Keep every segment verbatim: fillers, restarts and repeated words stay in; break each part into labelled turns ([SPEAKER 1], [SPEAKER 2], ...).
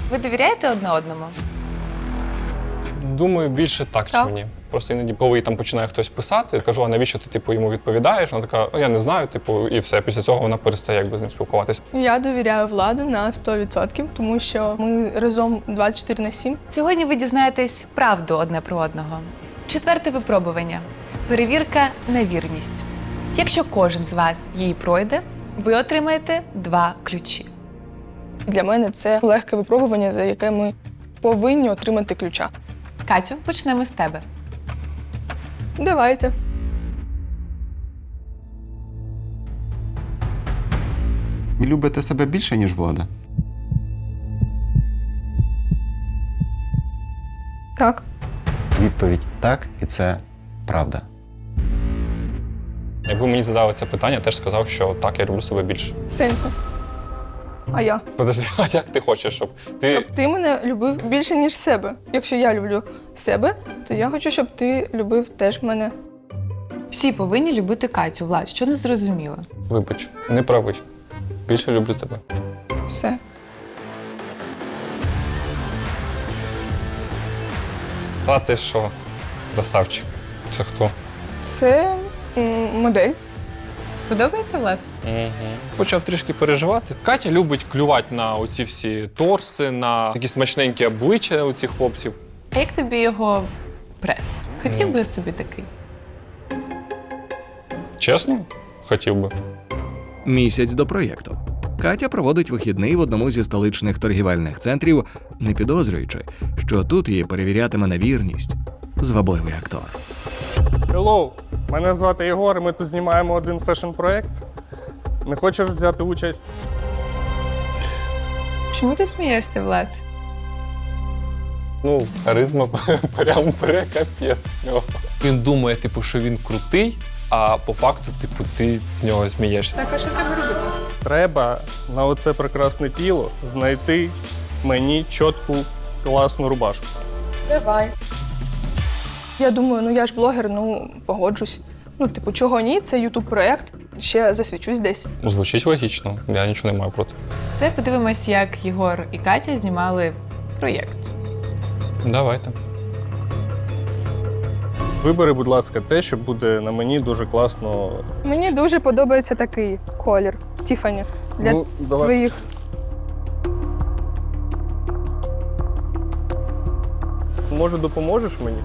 [SPEAKER 1] Ви довіряєте одне одному?
[SPEAKER 2] Думаю, більше так,
[SPEAKER 1] Так.
[SPEAKER 2] чи ні. Просто іноді, коли там починає хтось писати, кажу, а навіщо ти типу, йому відповідаєш? Вона така, ну я не знаю, типу, і все. Після цього вона перестає якби з ним спілкуватися.
[SPEAKER 3] Я довіряю Владу на сто відсотків, тому що ми разом двадцять чотири на сім.
[SPEAKER 1] Сьогодні ви дізнаєтесь правду одне про одного. Четверте випробування. Перевірка на вірність. Якщо кожен з вас її пройде, ви отримаєте два ключі.
[SPEAKER 3] Для мене це легке випробування, за яке ми повинні отримати ключа.
[SPEAKER 1] Катю, почнемо з тебе.
[SPEAKER 3] Давайте.
[SPEAKER 4] Ви любите себе більше, ніж Влада?
[SPEAKER 3] Так.
[SPEAKER 4] Відповідь так, і це правда.
[SPEAKER 2] Якби мені задали це питання, я теж сказав, що так, я люблю себе більше.
[SPEAKER 3] В сенсі. А я?
[SPEAKER 2] Подожди, а як ти хочеш, щоб ти.
[SPEAKER 3] Щоб ти мене любив більше, ніж себе. Якщо я люблю себе, то я хочу, щоб ти любив теж мене.
[SPEAKER 1] Всі повинні любити Катю. Влад, що не зрозуміло?
[SPEAKER 2] Вибач, не правий. Більше люблю тебе.
[SPEAKER 3] Все.
[SPEAKER 2] Та ти що, красавчик. Це хто?
[SPEAKER 3] Це м, модель.
[SPEAKER 1] Подобається, Влад?
[SPEAKER 2] Угу. Почав трішки переживати. Катя любить клювати на оці всі торси, на такі смачненькі обличчя у цих хлопців.
[SPEAKER 1] А як тобі його прес? Хотів би собі такий?
[SPEAKER 2] Чесно? Хотів би.
[SPEAKER 5] Місяць до проєкту. Катя проводить вихідний в одному зі столичних торгівельних центрів, не підозрюючи, що тут її перевірятиме на вірність звабливий актор.
[SPEAKER 6] Hello, мене звати Єгор, і ми тут знімаємо один фешн-проєкт. Не хочеш взяти участь?
[SPEAKER 1] Чому ти смієшся, Влад?
[SPEAKER 2] Ну, харизма прям прекапець з нього. Він думає, типу, що він крутий, а по факту, типу, ти з нього змієшся.
[SPEAKER 3] Так, а що треба робити?
[SPEAKER 6] Треба на оце прекрасне тіло знайти мені чітку класну рубашку.
[SPEAKER 3] Давай. Я думаю, ну я ж блогер, ну погоджусь. Ну, типу, чого ні, це ютуб-проєкт. Ще засвічусь десь.
[SPEAKER 2] Звучить логічно, я нічого не маю проти.
[SPEAKER 1] Давай подивимось, як Єгор і Катя знімали проєкт.
[SPEAKER 2] Давайте.
[SPEAKER 6] Вибери, будь ласка, те, що буде на мені дуже класно.
[SPEAKER 3] Мені дуже подобається такий колір Тіфані для
[SPEAKER 6] Ну, давай.
[SPEAKER 3] твоїх.
[SPEAKER 6] Може, допоможеш мені?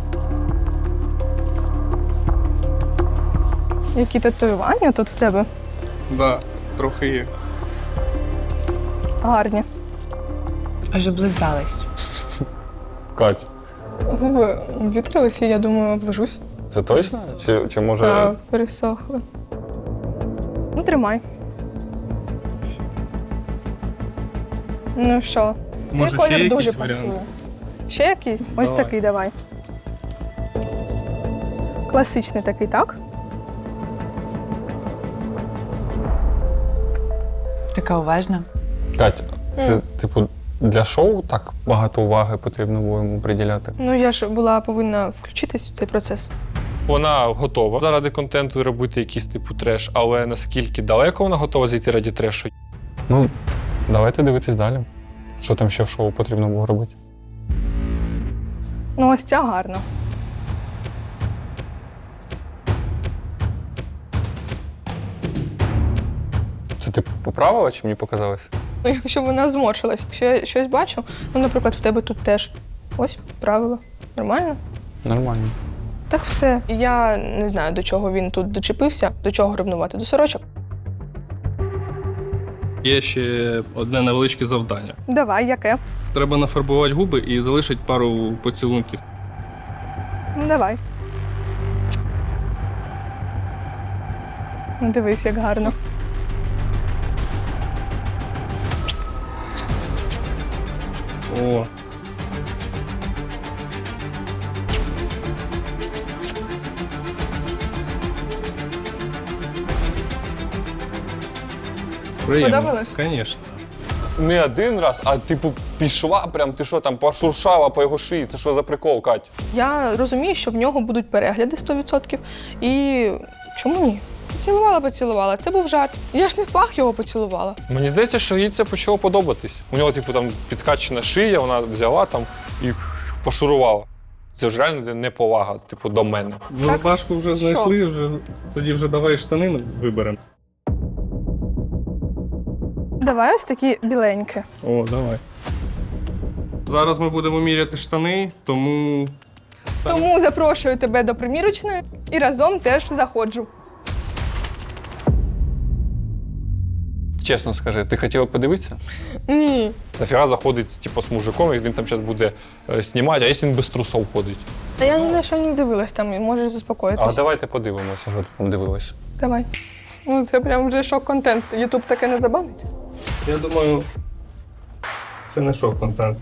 [SPEAKER 3] Які татуювання тут в тебе
[SPEAKER 6] Так, да, трохи є.
[SPEAKER 3] гарні.
[SPEAKER 1] Аж облизались.
[SPEAKER 2] Кать,
[SPEAKER 3] Губи вітрилися, я думаю, облажусь.
[SPEAKER 2] це точно? Чи, чи може.
[SPEAKER 3] Та пересохли. Ну, тримай. Ну що, цей
[SPEAKER 6] Може, ще
[SPEAKER 3] колір
[SPEAKER 6] якісь
[SPEAKER 3] дуже
[SPEAKER 6] варіанти?
[SPEAKER 3] пасує. Ще якийсь? Ось
[SPEAKER 6] Давай.
[SPEAKER 3] такий давай. Класичний такий, так?
[SPEAKER 1] Така уважна.
[SPEAKER 2] Кать, це, типу, для шоу так багато уваги потрібно було йому приділяти?
[SPEAKER 3] Ну, я ж була повинна включитись в цей процес.
[SPEAKER 2] Вона готова заради контенту робити якийсь типу треш, але наскільки далеко вона готова зайти раді трешу? Ну, давайте дивитись далі. Що там ще в шоу потрібно було робити?
[SPEAKER 3] Ну, ось ця гарна.
[SPEAKER 2] Це ти поправила чи мені показалось?
[SPEAKER 3] Ну, якщо вона зморшилась, якщо я щось бачу, ну, наприклад, в тебе тут теж. Ось правило. Нормально?
[SPEAKER 2] Нормально.
[SPEAKER 3] Так все. Я не знаю, до чого він тут дочепився, до чого ревнувати, до сорочок.
[SPEAKER 6] Є ще одне невеличке завдання.
[SPEAKER 3] Давай, яке?
[SPEAKER 6] Треба нафарбувати губи і залишити пару поцілунків.
[SPEAKER 3] Ну, давай. Ну, дивись, як гарно.
[SPEAKER 6] О.
[SPEAKER 3] Сподобалось?
[SPEAKER 6] Звісно.
[SPEAKER 2] Не один раз, а типу пішла, прям ти що там пошуршала по його шиї. Це що за прикол, Кать?
[SPEAKER 3] Я розумію, що в нього будуть перегляди сто відсотків. І чому ні? Поцілувала, поцілувала. Це був жарт. Я ж не в пах його поцілувала.
[SPEAKER 2] Мені здається, що їй це почало подобатись. У нього, типу, там підкачена шия, вона взяла там і пошурувала. Це ж реально неповага, типу, до мене.
[SPEAKER 6] Ну, рубашку вже знайшли, вже, тоді вже давай штани виберемо.
[SPEAKER 3] Давай ось такі біленькі.
[SPEAKER 6] О, давай. Зараз ми будемо міряти штани, тому
[SPEAKER 3] Тому запрошую тебе до примірочної і разом теж заходжу.
[SPEAKER 2] Чесно скажи, ти хотіла подивитися?
[SPEAKER 3] Ні.
[SPEAKER 2] Нафіга заходить, типу, з мужиком, і він там зараз буде е, знімати, а якщо він без трусов ходить?
[SPEAKER 3] Та я ні на що не дивилась там, і можеш
[SPEAKER 2] А
[SPEAKER 3] заспокоїтись.
[SPEAKER 2] давайте подивимося, що ти там дивилась.
[SPEAKER 3] Давай. Ну, це прям вже шок-контент. Ютуб таке не забанить.
[SPEAKER 6] я думаю, це не шок-контент.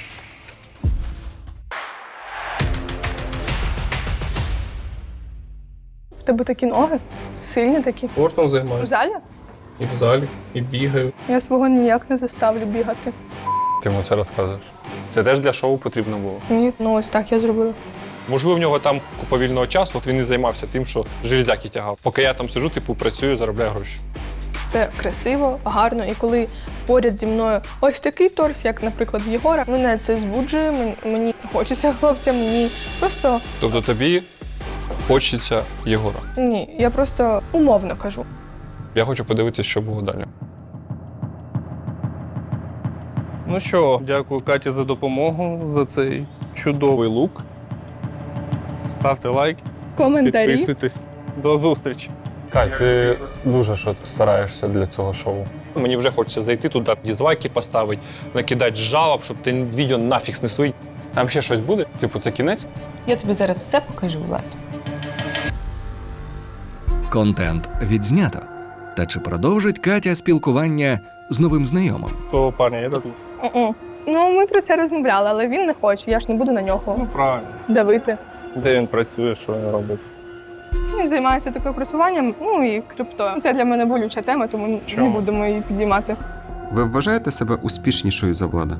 [SPEAKER 3] В тебе такі ноги, сильні такі.
[SPEAKER 6] Спортом
[SPEAKER 3] В
[SPEAKER 6] займаюся.
[SPEAKER 3] залі?
[SPEAKER 6] І в залі, і бігаю.
[SPEAKER 3] Я свого ніяк не заставлю бігати.
[SPEAKER 2] Ти йому це розказуєш. Це теж для шоу потрібно було.
[SPEAKER 3] Ні, ну ось так я зробила.
[SPEAKER 2] Можливо, в нього там купа вільного часу, от він і займався тим, що железяки тягав. Поки я там сиджу, типу, працюю, заробляю гроші.
[SPEAKER 3] Це красиво, гарно, і коли поряд зі мною ось такий торс, як, наприклад, в Єгора, мене це збуджує, мен- мені хочеться хлопцям, ні. Просто
[SPEAKER 2] Тобто тобі хочеться Єгора.
[SPEAKER 3] ні, я просто умовно кажу.
[SPEAKER 2] Я хочу подивитися, що було далі.
[SPEAKER 6] Ну що, дякую Каті за допомогу, за цей чудовий лук. Ставте лайк,
[SPEAKER 3] Коментарі.
[SPEAKER 6] підписуйтесь. До зустрічі.
[SPEAKER 2] Кать, ти дуже що стараєшся для цього шоу. Мені вже хочеться зайти туди, дізлайки поставити, накидати жалоб, щоб ти відео нафіг снесли. Там ще щось буде? Типу, це кінець?
[SPEAKER 1] Я тобі зараз все покажу, Влад.
[SPEAKER 5] Контент відзнято. Та чи продовжить Катя спілкування з новим знайомим?
[SPEAKER 6] Цього парня є тут?
[SPEAKER 3] Мгм. Ну, ми про це розмовляли, але він не хоче, я ж не буду на нього
[SPEAKER 6] Ну, правильно.
[SPEAKER 3] давити.
[SPEAKER 6] Де він працює, що він робить?
[SPEAKER 3] Він займається таким просуванням, ну і криптою. Це для мене болюча тема, тому
[SPEAKER 6] Чому?
[SPEAKER 3] не будемо її підіймати.
[SPEAKER 4] Ви вважаєте себе успішнішою за Влада?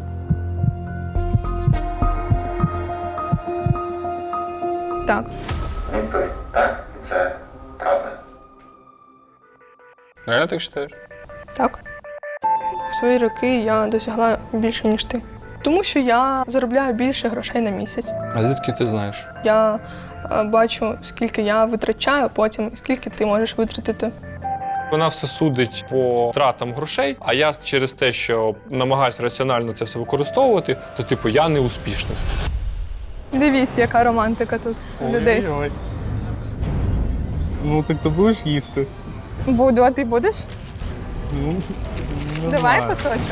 [SPEAKER 3] Так.
[SPEAKER 4] Відповідь так, і це правда.
[SPEAKER 2] Реально так вважаєш?
[SPEAKER 3] Так. В свої роки я досягла більше, ніж ти. Тому що я заробляю більше грошей на місяць.
[SPEAKER 2] А звідки ти знаєш?
[SPEAKER 3] Я е, бачу, скільки я витрачаю потім, і скільки ти можеш витратити.
[SPEAKER 2] Вона все судить по тратам грошей, а я через те, що намагаюся раціонально це все використовувати, то типу я не успішний.
[SPEAKER 3] Дивіться, яка романтика тут у людей.
[SPEAKER 6] Ой-ой. Ну, так ти будеш їсти?
[SPEAKER 3] Буду, а ти будеш?
[SPEAKER 6] Ну, не
[SPEAKER 3] Давай
[SPEAKER 6] знаю.
[SPEAKER 3] кусочок.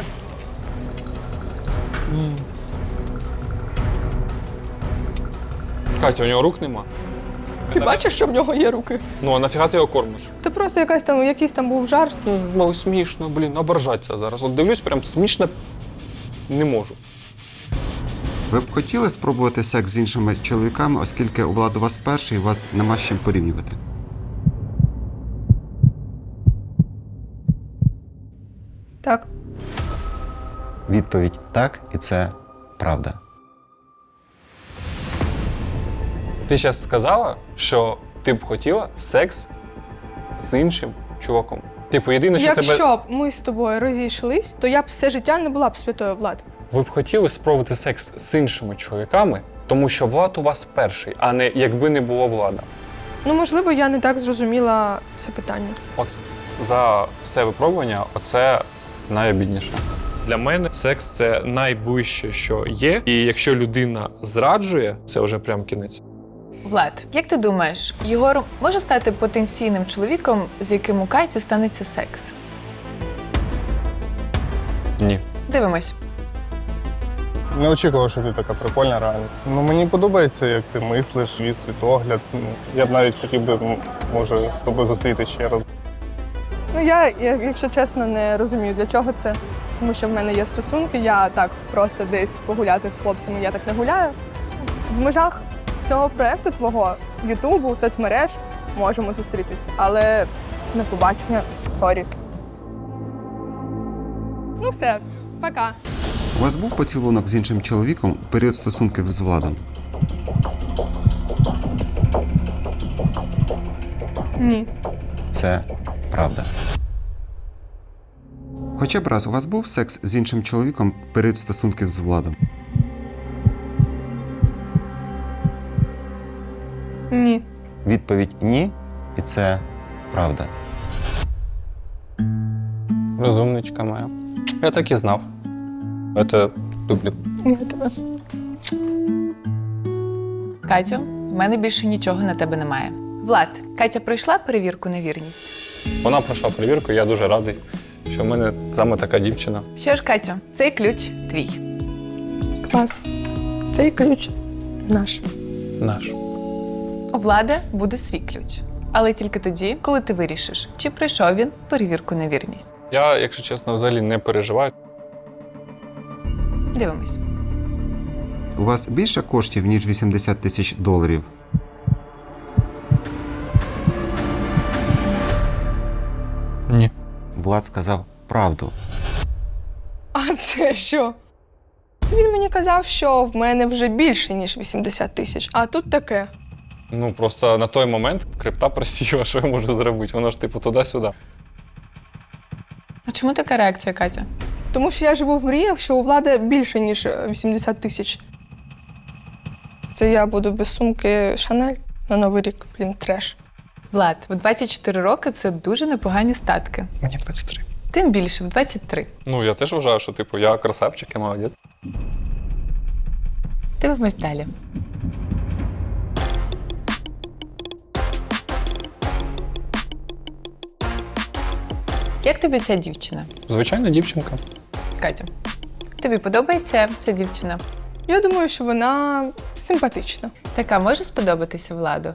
[SPEAKER 2] Катя, у нього рук нема.
[SPEAKER 3] Ти бачиш, що в нього є руки?
[SPEAKER 2] Ну, а нафіга ти його кормиш?
[SPEAKER 3] Це просто якась там, якийсь там був жарт.
[SPEAKER 2] Ну, мов, смішно, блін, ображаться зараз. От дивлюсь, прям смішно не можу.
[SPEAKER 4] Ви б хотіли спробувати секс з іншими чоловіками, оскільки у Влада у вас перший, і вас нема з чим порівнювати?
[SPEAKER 3] Так.
[SPEAKER 4] Відповідь так, і це правда.
[SPEAKER 2] Ти зараз сказала, що ти б хотіла секс з іншим чуваком. Типу, єдине, що
[SPEAKER 3] Якщо
[SPEAKER 2] тебе.
[SPEAKER 3] б ми з тобою розійшлись, то я б все життя не була б святою Влад.
[SPEAKER 2] Ви б хотіли спробувати секс з іншими чоловіками, тому що Влад у вас перший, а не якби не було Влада.
[SPEAKER 3] Ну, можливо, я не так зрозуміла це питання.
[SPEAKER 2] От за все випробування, оце найобідніше. Для мене секс це найближче, що є. І якщо людина зраджує, це вже прям кінець.
[SPEAKER 1] Влад, як ти думаєш, Єгор може стати потенційним чоловіком, з яким у Каті станеться секс?
[SPEAKER 2] Ні.
[SPEAKER 1] Дивимось.
[SPEAKER 6] Не очікував, що ти така прикольна реально. Ну, мені подобається, як ти мислиш, твій світогляд. Ну, я б навіть хотів би, ну, може, з тобою зустріти ще раз.
[SPEAKER 3] Ну, я, я, якщо чесно, не розумію, для чого це. Тому що в мене є стосунки, я так просто десь погуляти з хлопцями, я так не гуляю. В межах цього проєкту твого Ютубу, соцмереж можемо зустрітись, але на побачення, сорі. Ну все, пока.
[SPEAKER 4] У вас був поцілунок з іншим чоловіком у період стосунків з Владом?
[SPEAKER 3] Ні.
[SPEAKER 7] це правда.
[SPEAKER 4] Хоча б раз у вас був секс з іншим чоловіком в період стосунків з Владом?
[SPEAKER 3] Ні.
[SPEAKER 7] Відповідь ні, і це правда.
[SPEAKER 2] Розумничка моя. Я так і знав. Я тебе люблю.
[SPEAKER 3] Я тебе.
[SPEAKER 1] Катю, в мене більше нічого на тебе немає. Влад, Катя пройшла перевірку на вірність?
[SPEAKER 2] Вона пройшла перевірку, і я дуже радий, що в мене саме така дівчина.
[SPEAKER 1] Що ж, Катю, цей ключ твій.
[SPEAKER 3] Клас. Цей ключ наш.
[SPEAKER 2] Наш.
[SPEAKER 1] У Влада буде свій ключ. Але тільки тоді, коли ти вирішиш, чи пройшов він перевірку на вірність.
[SPEAKER 2] Я, якщо чесно, взагалі не переживаю.
[SPEAKER 1] Дивимось.
[SPEAKER 4] У вас більше коштів, ніж вісімдесят тисяч доларів?
[SPEAKER 2] Ні.
[SPEAKER 4] Влад сказав правду.
[SPEAKER 3] А це що? Він мені казав, що в мене вже більше, ніж вісімдесят тисяч. А тут таке.
[SPEAKER 2] Ну, просто на той момент крипта просіла, що я можу зробити. Воно ж типу туди-сюди.
[SPEAKER 1] А чому така реакція, Катя?
[SPEAKER 3] Тому що я живу в мріях, що у Влада більше, ніж вісімдесят тисяч. Це я буду без сумки Шанель на Новий рік. Блін, треш.
[SPEAKER 1] Влад, в двадцять чотири роки це дуже непогані статки.
[SPEAKER 2] Мені двадцять три.
[SPEAKER 1] Тим більше в двадцять три.
[SPEAKER 2] Ну, я теж вважаю, що типу я красавчик, я молодець.
[SPEAKER 1] Дивимось далі. Як тобі ця дівчина?
[SPEAKER 2] Звичайна дівчинка.
[SPEAKER 1] Катя, тобі подобається ця дівчина?
[SPEAKER 3] Я думаю, що вона симпатична.
[SPEAKER 1] Така може сподобатися Владу?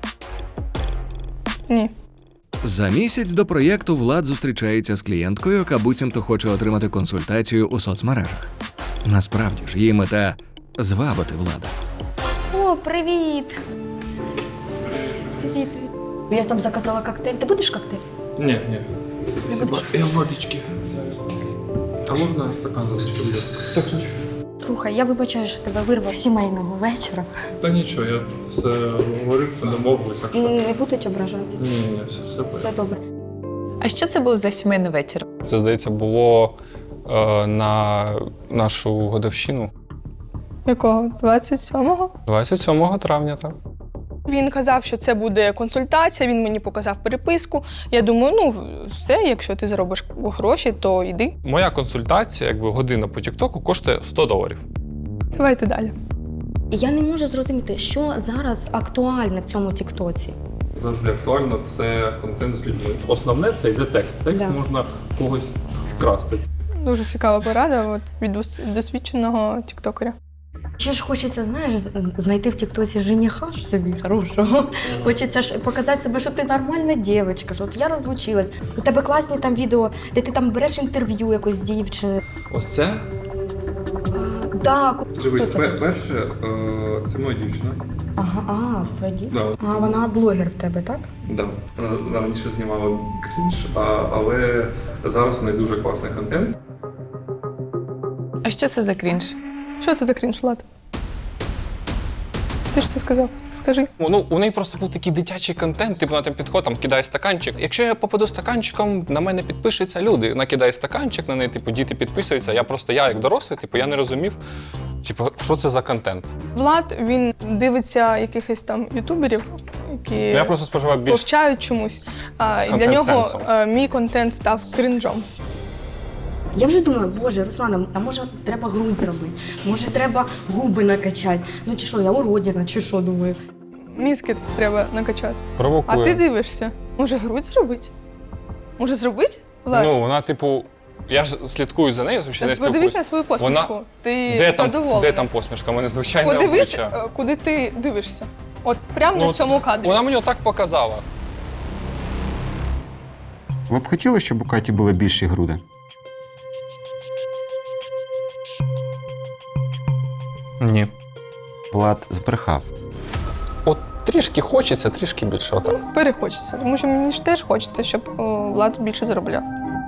[SPEAKER 3] Ні.
[SPEAKER 5] За місяць до проєкту Влад зустрічається з клієнткою, яка буцімто хоче отримати консультацію у соцмережах. Насправді ж її мета – звабити Влада.
[SPEAKER 8] О, привіт! Привіт. Я там заказала коктейль. Ти будеш коктейль?
[SPEAKER 2] Ні, ні.
[SPEAKER 8] Не будеш?
[SPEAKER 2] Я водички. А можна стакан водички буде? Так, хочу.
[SPEAKER 8] Слухай, я вибачаю, що тебе вирвав з сімейного вечора.
[SPEAKER 2] Та нічого, я все говорив, домовився.
[SPEAKER 8] Не, не будуть ображатися.
[SPEAKER 2] Ні, ні, все, все.
[SPEAKER 8] Все добре.
[SPEAKER 1] А що це був за сімейний вечір?
[SPEAKER 2] Це, здається, було е, на нашу годовщину.
[SPEAKER 3] Якого? двадцять сьомого?
[SPEAKER 2] двадцять сьомого травня, так.
[SPEAKER 3] Він казав, що це буде консультація, він мені показав переписку. Я думаю, ну, все, якщо ти заробиш гроші, то йди.
[SPEAKER 2] Моя консультація, якби година по Тіктоку, коштує сто доларів.
[SPEAKER 3] Давайте далі.
[SPEAKER 8] І я не можу зрозуміти, що зараз актуальне в цьому тіктоці.
[SPEAKER 2] Завжди актуально це контент з людьми. Основне це йде текст. Текст
[SPEAKER 8] Да.
[SPEAKER 2] можна когось вкрасти.
[SPEAKER 3] Дуже цікава порада от, від дос- досвідченого тіктокера.
[SPEAKER 8] Ще ж хочеться, знаєш, з- знайти в тіктоці жениха ж собі хорошого. Хочеться ж показати себе, що ти нормальна дівчинка, що от я розлучилась. У тебе класні там відео, де ти там береш інтерв'ю якось з дівчини.
[SPEAKER 2] Ось це?
[SPEAKER 8] Да, ку-
[SPEAKER 2] Дивись,
[SPEAKER 8] хто це такий?
[SPEAKER 2] перше, е, це моя дівчина.
[SPEAKER 8] Ага, а, це твоя дівчина?
[SPEAKER 2] Да.
[SPEAKER 8] А вона блогер в тебе, так?
[SPEAKER 2] Да. Вона раніше знімала крінж, а, але зараз в неї дуже класний контент.
[SPEAKER 1] А що це за крінж?
[SPEAKER 3] Що це за крінж, Влад? Ти ж це сказав? Скажи.
[SPEAKER 2] Ну, у неї просто був такий дитячий контент, типу вона там підходить, там кидає стаканчик. Якщо я попаду стаканчиком, на мене підпишуться люди. Вона кидає стаканчик, на неї, типу, діти підписуються. Я просто, я як дорослий, типу, я не розумів, типу, що це за контент.
[SPEAKER 3] Влад, він дивиться якихось там ютуберів, які
[SPEAKER 2] Ну, я просто споживав більш
[SPEAKER 3] повчають чомусь. А, і для
[SPEAKER 2] контент
[SPEAKER 3] нього
[SPEAKER 2] сенсом.
[SPEAKER 3] е, мій контент став крінжом.
[SPEAKER 8] Я вже думаю, боже, Руслана, а може треба грудь зробити? Може треба губи накачати? Ну чи що, я уродина, чи що, думаю.
[SPEAKER 3] Мізки треба накачати.
[SPEAKER 2] провокує.
[SPEAKER 3] А ти дивишся? Може грудь зробити? Може зробити? Влад?
[SPEAKER 2] Ну, вона, типу, я ж слідкую за нею, тому що не
[SPEAKER 3] Подивись
[SPEAKER 2] спілкуюся.
[SPEAKER 3] на свою посмішку.
[SPEAKER 2] Вона-
[SPEAKER 3] Ти
[SPEAKER 2] Де там,
[SPEAKER 3] задоволений.
[SPEAKER 2] де там посмішка? У мене звичайне
[SPEAKER 3] Подивись,
[SPEAKER 2] обличчя.
[SPEAKER 3] е, куди ти дивишся. От прямо
[SPEAKER 2] Ну,
[SPEAKER 3] на цьому кадрі.
[SPEAKER 2] Вона мені отак показала.
[SPEAKER 4] Ви б хотіли, щоб у Каті були більші груди?
[SPEAKER 2] Ні.
[SPEAKER 4] Влад збрехав.
[SPEAKER 2] От трішки хочеться, трішки більше отак.
[SPEAKER 3] Перехочеться, тому що мені ж теж хочеться, щоб о, Влад більше заробляв.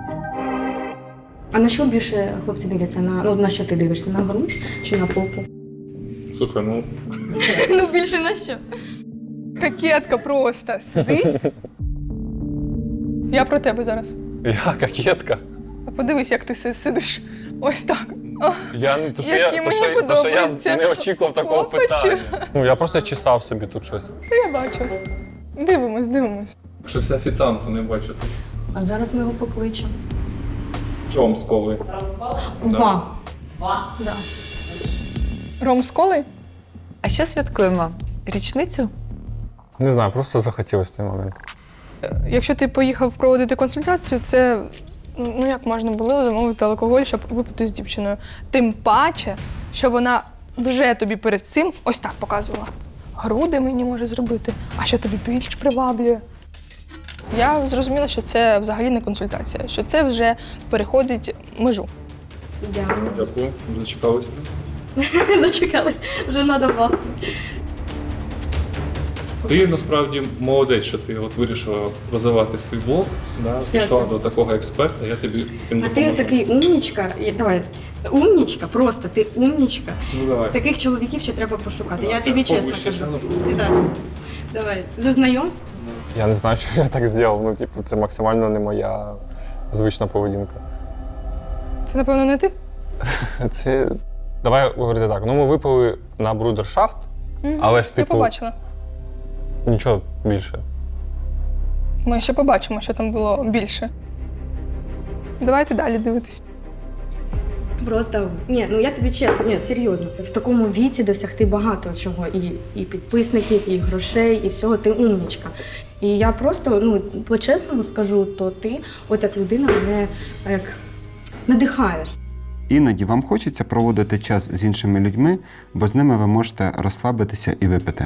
[SPEAKER 8] А на що більше хлопці дивляться? На, ну, на що ти дивишся? На грудь чи на попу?
[SPEAKER 2] Слухай, ну
[SPEAKER 8] Ну, більше на що?
[SPEAKER 3] Кокетка просто сидить. Я про тебе зараз.
[SPEAKER 2] Я кокетка.
[SPEAKER 3] А подивись, як ти си- сидиш ось так.
[SPEAKER 2] Я не то, що
[SPEAKER 3] Які
[SPEAKER 2] я, то,
[SPEAKER 3] мені
[SPEAKER 2] що, то, що я
[SPEAKER 3] подобаються.
[SPEAKER 2] не очікував такого
[SPEAKER 3] Хлопачі.
[SPEAKER 2] питання. Ну, я просто чесав собі тут щось.
[SPEAKER 3] Та я бачу. Дивимось, дивимось.
[SPEAKER 2] Щось офіціанту не бачу.
[SPEAKER 8] А зараз ми його покличемо.
[SPEAKER 2] Ром з коли.
[SPEAKER 8] Два.
[SPEAKER 3] Ром з коли?
[SPEAKER 1] А що святкуємо? Річницю?
[SPEAKER 2] Не знаю, просто захотілося в той момент.
[SPEAKER 3] Якщо ти поїхав проводити консультацію, це ну як можна було замовити алкоголь, щоб випити з дівчиною. Тим паче, що вона вже тобі перед цим ось так показувала. Груди мені може зробити, а що тобі більш приваблює. Я зрозуміла, що це взагалі не консультація, що це вже переходить межу.
[SPEAKER 8] Дякую.
[SPEAKER 2] Дякую, зачекалися.
[SPEAKER 8] Зачекались, вже надавав.
[SPEAKER 2] Ти насправді молодець, що ти от вирішила розвивати свій блог, да, пішла до такого експерта, я тобі цим
[SPEAKER 8] А ти
[SPEAKER 2] допоможу.
[SPEAKER 8] такий умнічка, і- давай, умнічка, просто ти умнічка.
[SPEAKER 2] Ну, давай.
[SPEAKER 8] Таких чоловіків ще треба пошукати. Я
[SPEAKER 2] Все,
[SPEAKER 8] тобі чесно
[SPEAKER 2] повище,
[SPEAKER 8] кажу.
[SPEAKER 2] сяду.
[SPEAKER 8] Сідай. Давай, за знайомство.
[SPEAKER 2] Я не знаю, що я так зробив. Ну, типу, це максимально не моя звична поведінка.
[SPEAKER 3] Це, напевно, не ти?
[SPEAKER 2] Це. Давай говорити так. Ну, ми випили на брудершафт,
[SPEAKER 3] Мгм.
[SPEAKER 2] але ж,
[SPEAKER 3] Я
[SPEAKER 2] типу,
[SPEAKER 3] побачила.
[SPEAKER 2] нічого більше.
[SPEAKER 3] Ми ще побачимо, що там було більше. Давайте далі дивитись.
[SPEAKER 8] Просто ні, ну я тобі чесно, ні, серйозно. В такому віці досягти багато чого. І, і підписників, і грошей, і всього. Ти умнічка. І я просто, ну, по-чесному скажу, то ти, от як людина, мене як надихаєш.
[SPEAKER 4] Іноді вам хочеться проводити час з іншими людьми, бо з ними ви можете розслабитися і випити.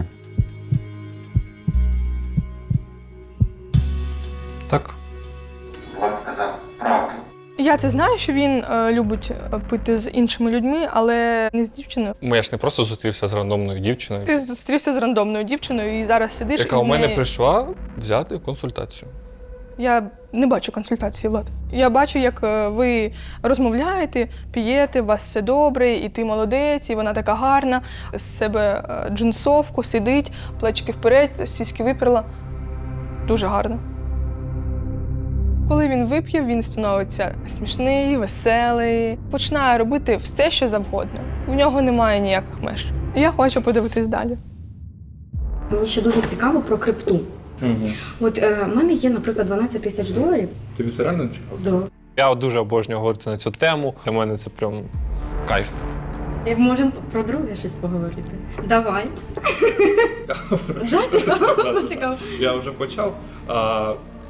[SPEAKER 2] Так.
[SPEAKER 4] Влад сказав правду.
[SPEAKER 3] Я це знаю, що він е, любить е, пити з іншими людьми, але не з дівчиною.
[SPEAKER 2] Я ж не просто зустрівся з рандомною дівчиною,
[SPEAKER 3] Ти зустрівся з рандомною дівчиною і зараз сидиш
[SPEAKER 2] яка
[SPEAKER 3] і з
[SPEAKER 2] у мене
[SPEAKER 3] неї...
[SPEAKER 2] прийшла взяти консультацію.
[SPEAKER 3] Я не бачу консультації, Влад. Я бачу, як е, ви розмовляєте, п'єте, у вас все добре, і ти молодець, і вона така гарна, з себе е, джинсовку, сидить, плечики вперед, сіськи виперла. Дуже гарно. Коли він вип'є, він становиться смішний, веселий, починає робити все, що завгодно. В нього немає ніяких меж. Я хочу подивитись далі.
[SPEAKER 8] Мені ще дуже цікаво про крипту.
[SPEAKER 2] Угу.
[SPEAKER 8] От е, в мене є, наприклад, дванадцять тисяч доларів.
[SPEAKER 2] Тобі це реально цікаво?
[SPEAKER 8] Да.
[SPEAKER 2] Я от дуже обожнюю говорити на цю тему. Для мене це прям кайф.
[SPEAKER 8] І можемо про друге щось поговорити. Давай. Вже цікаво? Цікаво.
[SPEAKER 2] Я вже почав. А...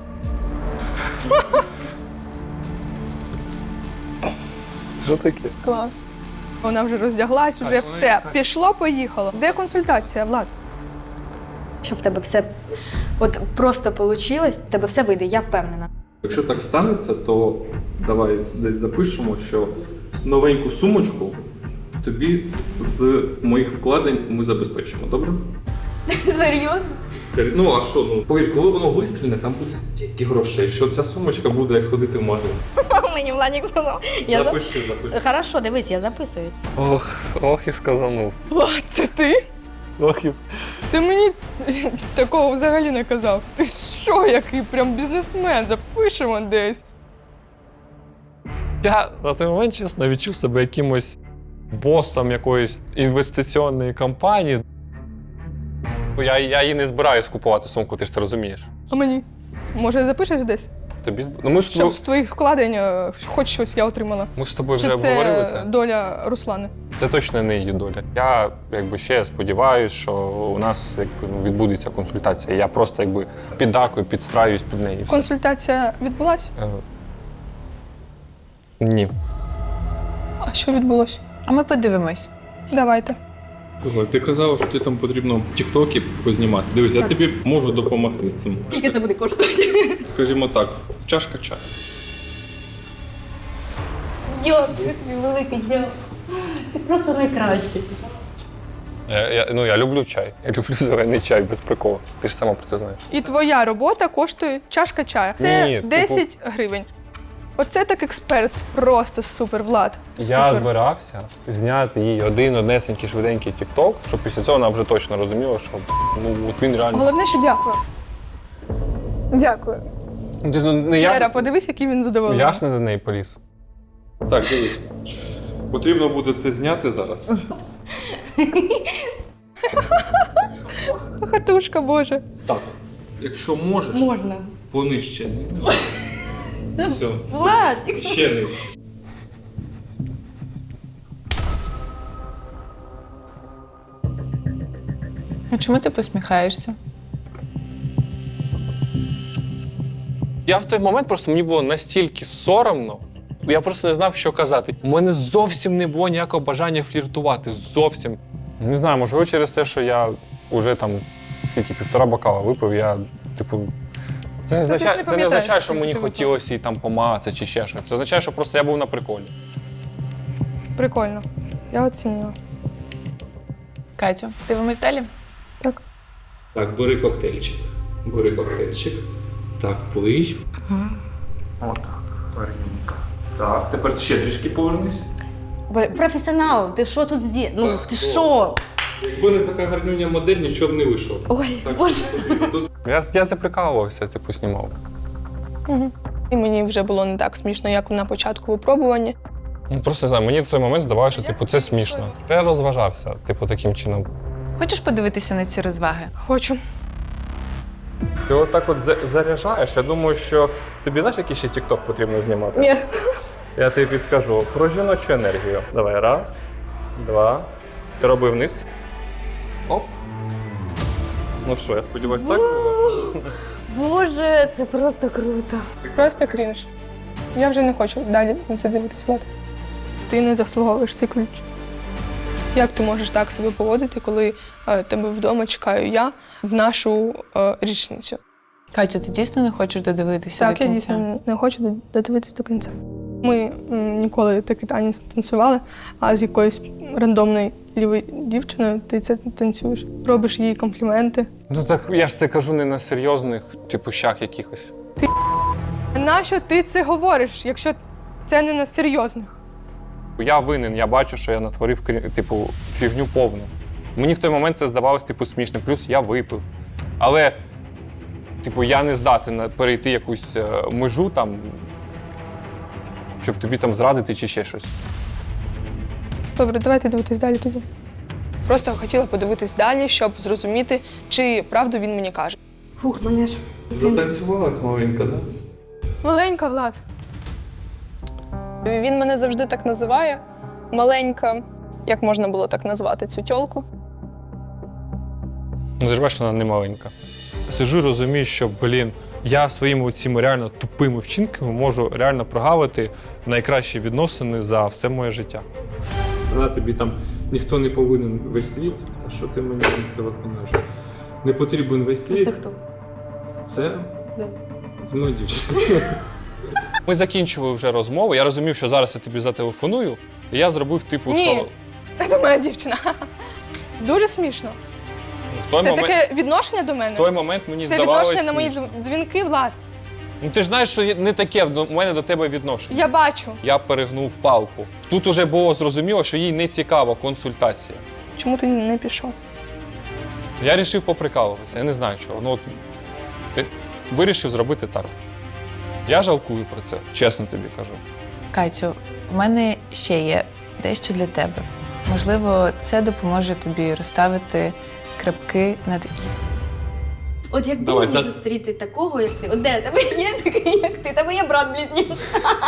[SPEAKER 2] Що таке?
[SPEAKER 3] Клас. Вона вже роздяглась, вже
[SPEAKER 2] Так,
[SPEAKER 3] все.
[SPEAKER 2] ну,
[SPEAKER 3] Пішло, поїхало. Де консультація, Влад?
[SPEAKER 8] Щоб в тебе все от просто вийшло, в тебе все вийде, я впевнена.
[SPEAKER 2] Якщо так станеться, то давай десь запишемо, що новеньку сумочку тобі з моїх вкладень ми забезпечимо, добре?
[SPEAKER 8] Серйозно?
[SPEAKER 2] Ну а що, ну повір, коли воно вистрільне, там буде стільки грошей, що ця сумочка буде як сходити в магазин.
[SPEAKER 8] Мені Владик сказав. Я
[SPEAKER 2] Запиши, запиши.
[SPEAKER 8] Хорошо, дивись, я записую.
[SPEAKER 2] Ох, ох і сказанув.
[SPEAKER 3] Влад, це ти?
[SPEAKER 2] Ох і...
[SPEAKER 3] Ти мені такого взагалі не казав. Ти що, який прям бізнесмен? Запишемо десь.
[SPEAKER 2] Я на той момент, чесно, відчув себе якимось босом якоїсь інвестиційної компанії. Я, я її не збираюсь купувати сумку, ти ж це розумієш.
[SPEAKER 3] А мені? Може, запишеш десь?
[SPEAKER 2] Тобі зб- ну, ми ж
[SPEAKER 3] Щоб з твоїх вкладень е, хоч щось я отримала.
[SPEAKER 2] ми з тобою
[SPEAKER 3] Чи
[SPEAKER 2] вже
[SPEAKER 3] це
[SPEAKER 2] обговорилися.
[SPEAKER 3] доля Руслани?
[SPEAKER 2] Це точно не її доля. Я якби ще сподіваюся, що у нас якби ну, відбудеться консультація. Я просто якби піддакую, підстраюсь під неї. і все.
[SPEAKER 3] Консультація відбулась?
[SPEAKER 2] Е, Ні.
[SPEAKER 3] А що відбулося?
[SPEAKER 1] А ми подивимось.
[SPEAKER 3] Давайте.
[SPEAKER 2] Ти казав, що ти там потрібно тіктоки познімати. Дивись, я тобі можу допомогти з цим.
[SPEAKER 8] Скільки це буде коштувати?
[SPEAKER 2] Скажімо так, чашка чаю.
[SPEAKER 8] Дякую тобі, великий дякую. Ти просто найкращий.
[SPEAKER 2] Я, я, ну, я люблю чай. Я люблю зелений чай без приколу. Ти ж сама про це знаєш.
[SPEAKER 3] І твоя робота коштує чашка чаю. Це
[SPEAKER 2] Ні, типу-
[SPEAKER 3] десять гривень. Оце так експерт. Просто супер, Влад.
[SPEAKER 2] Я
[SPEAKER 3] Супер.
[SPEAKER 2] збирався зняти їй один однесенький швиденький тікток, щоб після цього вона вже точно розуміла, що ну, от він реально.
[SPEAKER 3] Головне, що дякую. Дякую.
[SPEAKER 2] Ти, ну, не я,
[SPEAKER 3] Лера, подивись, який він задоволений.
[SPEAKER 2] я ж не до неї поліз.
[SPEAKER 9] Так, дивись. Потрібно буде це зняти зараз.
[SPEAKER 3] Хатушка, боже.
[SPEAKER 9] Так. Якщо можеш,
[SPEAKER 8] Можна.
[SPEAKER 9] понижче зняти. Все.
[SPEAKER 8] Влад!
[SPEAKER 9] Ще нижче.
[SPEAKER 1] А чому ти посміхаєшся?
[SPEAKER 2] Я в той момент просто мені було настільки соромно, я просто не знав, що казати. У мене зовсім не було ніякого бажання фліртувати. Зовсім. Не знаю, можливо, через те, що я вже там скільки півтора бокала випив, я, типу. Це не
[SPEAKER 3] Це ти ж
[SPEAKER 2] означає,
[SPEAKER 3] не
[SPEAKER 2] це не
[SPEAKER 3] пам'ятаєш,
[SPEAKER 2] означає, що
[SPEAKER 3] скільки
[SPEAKER 2] мені
[SPEAKER 3] ти випив.
[SPEAKER 2] хотілося її там помацати чи ще щось. Це означає, що просто я був на приколі.
[SPEAKER 3] Прикольно. Я оцінюю.
[SPEAKER 1] Катю, дивимось далі?
[SPEAKER 3] Так.
[SPEAKER 9] Так, бери коктейльчик. Бери коктейльчик. Так, плий. От, гарненько. Так, тепер ще трішки повернись.
[SPEAKER 8] Професіонал, ти що тут зді? Ну,
[SPEAKER 9] Так,
[SPEAKER 8] ти
[SPEAKER 9] о.
[SPEAKER 8] що?
[SPEAKER 9] Якби не така гарнюня модель, нічого б не вийшло.
[SPEAKER 8] Ой,
[SPEAKER 9] Так,
[SPEAKER 8] боже.
[SPEAKER 9] що тут
[SPEAKER 2] Я, я це прикалувався, типу, знімав.
[SPEAKER 3] Угу. І мені вже було не так смішно, як на початку випробування.
[SPEAKER 2] Ну, просто не знаю, мені в той момент здавалося, що типу, це смішно. Я розважався, типу, таким чином.
[SPEAKER 1] Хочеш подивитися на ці розваги?
[SPEAKER 3] Хочу.
[SPEAKER 2] Ти отак от за- заряджаєш, я думаю, що тобі знаєш, який ще тік-ток потрібно знімати?
[SPEAKER 3] Ні.
[SPEAKER 2] Я тобі підскажу про жіночу енергію. Давай, раз, два. Ти роби вниз. Оп. Ну що, я сподіваюся, так було?
[SPEAKER 8] Боже, це просто круто.
[SPEAKER 3] Просто крінж. Я вже не хочу далі на це дивитися, Влад. Ти не заслуговуєш цей ключ. Як ти можеш так себе поводити, коли е, тебе вдома чекаю я в нашу е, річницю?
[SPEAKER 1] Катю, ти дійсно не хочеш додивитися
[SPEAKER 3] Так,
[SPEAKER 1] до
[SPEAKER 3] я
[SPEAKER 1] кінця?
[SPEAKER 3] дійсно не хочу до- додивитися до кінця. Ми м, ніколи такий танець не танцювали, а з якоюсь рандомною лівою дівчиною ти це танцюєш. Робиш їй компліменти.
[SPEAKER 2] Ну так я ж це кажу не на серйозних, типу, щах якихось.
[SPEAKER 3] Нащо ти це говориш, якщо це не на серйозних?
[SPEAKER 2] Я винен, я бачу, що я натворив крі- типу, фігню повну. Мені в той момент це здавалось типу, смішним, плюс я випив. Але, типу, я не здатен на- перейти якусь е, межу там, щоб тобі там зрадити чи ще щось.
[SPEAKER 3] Добре, давайте дивитись далі тоді. Просто хотіла подивитись далі, щоб зрозуміти, чи правду він мені каже.
[SPEAKER 8] Фух, мене ж.
[SPEAKER 9] затанцювалась маленька, так?
[SPEAKER 3] Маленька, Влад. Він мене завжди так називає. Маленька. Як можна було так назвати цю тьолку?
[SPEAKER 2] Ну, ти ж бачиш, вона не маленька. Сижу, розумію, що, блін, я своїми цими реально тупими вчинками можу реально прогавити найкращі відносини за все моє життя.
[SPEAKER 9] Да, тобі там ніхто не повинен весь світ. Та що ти мені телефонуєш? Не потрібен весь світ.
[SPEAKER 8] Це хто?
[SPEAKER 9] Це?
[SPEAKER 8] Да.
[SPEAKER 9] Ну, дівчина.
[SPEAKER 2] Ми закінчували вже розмову, я розумів, що зараз я тобі зателефоную, і я зробив типу,
[SPEAKER 3] Ні.
[SPEAKER 2] що
[SPEAKER 3] Це моя дівчина. Дуже смішно.
[SPEAKER 2] в той,
[SPEAKER 3] Це
[SPEAKER 2] момент,
[SPEAKER 3] таке відношення до мене?
[SPEAKER 2] в той момент мені
[SPEAKER 3] Це
[SPEAKER 2] здавалося
[SPEAKER 3] відношення на мої
[SPEAKER 2] смішно.
[SPEAKER 3] дзвін- дзвінки, Влад.
[SPEAKER 2] Ну ти ж знаєш, що не таке в мене до тебе відношення.
[SPEAKER 3] Я бачу.
[SPEAKER 2] Я перегнув палку. Тут уже було зрозуміло, що їй не цікава консультація.
[SPEAKER 3] Чому ти не пішов?
[SPEAKER 2] Я вирішив поприкалуватися, я не знаю чого. Ну, от, я вирішив зробити так. Я жалкую про це, чесно тобі кажу.
[SPEAKER 1] Катю, в мене ще є дещо для тебе. Можливо, це допоможе тобі розставити крапки над «і».
[SPEAKER 8] От якби
[SPEAKER 9] Давай,
[SPEAKER 8] мені
[SPEAKER 9] за-
[SPEAKER 8] зустріти такого, як ти. От де тебе є такий, як ти? Тебе є брат близнець.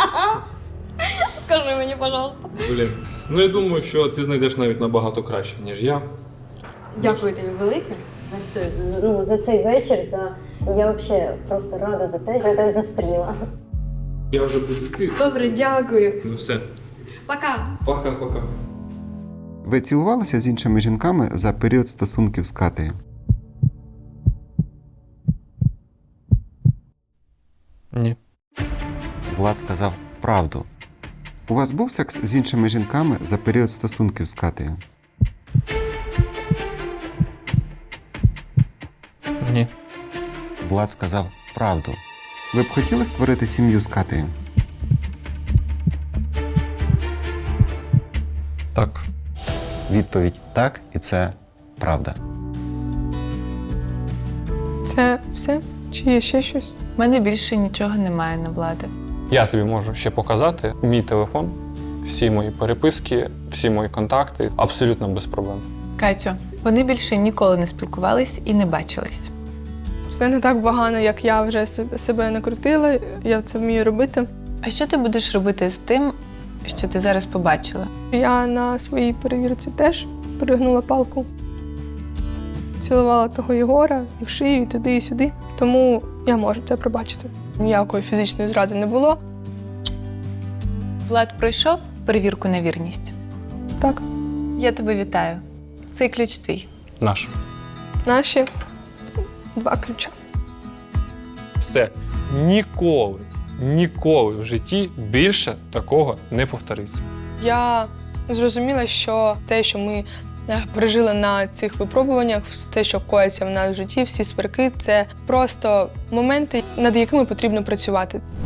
[SPEAKER 8] Скажи мені, пожалуйста.
[SPEAKER 9] Блін. Ну я думаю, що ти знайдеш навіть набагато краще, ніж я.
[SPEAKER 8] Дякую тобі велике за все. Ну, за цей вечір. За... Я взагалі просто рада за те, що я тебе зустріла.
[SPEAKER 9] Я вже буду йти.
[SPEAKER 8] Добре, дякую.
[SPEAKER 9] Ну все.
[SPEAKER 8] Пока.
[SPEAKER 9] Пока-пока.
[SPEAKER 4] Ви цілувалися з іншими жінками за період стосунків з Катею?
[SPEAKER 2] Ні.
[SPEAKER 4] Влад сказав правду. У вас був секс з іншими жінками за період стосунків з Катею?
[SPEAKER 2] Ні.
[SPEAKER 4] Влад сказав правду. Ви б хотіли створити сім'ю з Катею?
[SPEAKER 2] Так.
[SPEAKER 7] Відповідь так, і це правда.
[SPEAKER 3] Це все? Чи є ще щось?
[SPEAKER 1] У мене більше нічого немає на Влади.
[SPEAKER 2] Я тобі можу ще показати мій телефон, всі мої переписки, всі мої контакти, абсолютно без проблем.
[SPEAKER 1] Катю, вони більше ніколи не спілкувались і не бачились.
[SPEAKER 3] Все не так погано, як я вже с- себе накрутила, я це вмію робити.
[SPEAKER 1] А що ти будеш робити з тим, що ти зараз побачила?
[SPEAKER 3] Я на своїй перевірці теж перегнула палку. Цілувала того Єгора і в шию, і туди, і сюди. Тому я можу це пробачити. Ніякої фізичної зради не було.
[SPEAKER 1] Влад пройшов перевірку на вірність.
[SPEAKER 3] Так,
[SPEAKER 1] Я тебе вітаю. Цей ключ твій.
[SPEAKER 2] Наш.
[SPEAKER 3] наші два ключа.
[SPEAKER 2] Все. Ніколи, ніколи в житті більше такого не повториться.
[SPEAKER 3] Я зрозуміла, що те, що ми е, пережили на цих випробуваннях, те, що коїться в нас в житті, всі сварки, це просто моменти, над якими потрібно працювати.